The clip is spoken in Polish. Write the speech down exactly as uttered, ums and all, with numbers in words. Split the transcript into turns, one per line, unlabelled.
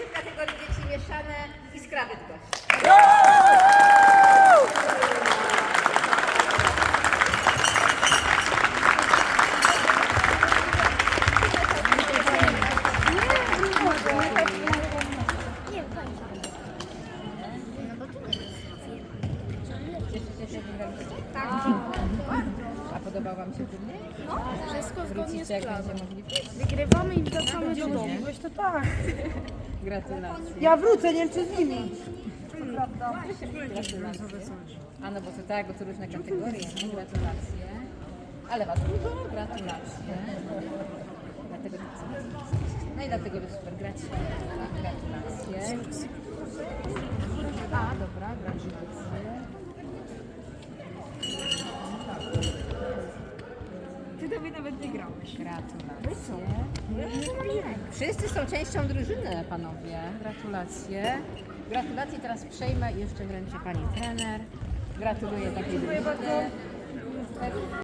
Pierwszy w kategorii dzieci mieszane Iskra Bydgoszcz. Cieszycie się, że wygraliście? Tak. A podobał wam się turniej?
No, wszystko zgodnie
Wrócicie,
z
jak
planem.
będzie możliwość?
Wygrywamy i wracamy do domu.
Weź to tak.
Gratulacje.
Ja wrócę, nie wiem czy z nimi.
Gratulacje. A no bo to tak, bo to różne kategorie, nie? Gratulacje. Ale was dużo, gratulacje. Dlatego tak sobie. No i dlatego wy super gracie. Gratulacje. A, dobra, gratulacje.
Ty do mnie nawet nie grałeś.
Gratulacje. Wszyscy są częścią drużyny, panowie. Gratulacje. Gratulacje teraz przejmę i jeszcze wręczę pani trener. Gratuluję takiej drużyny.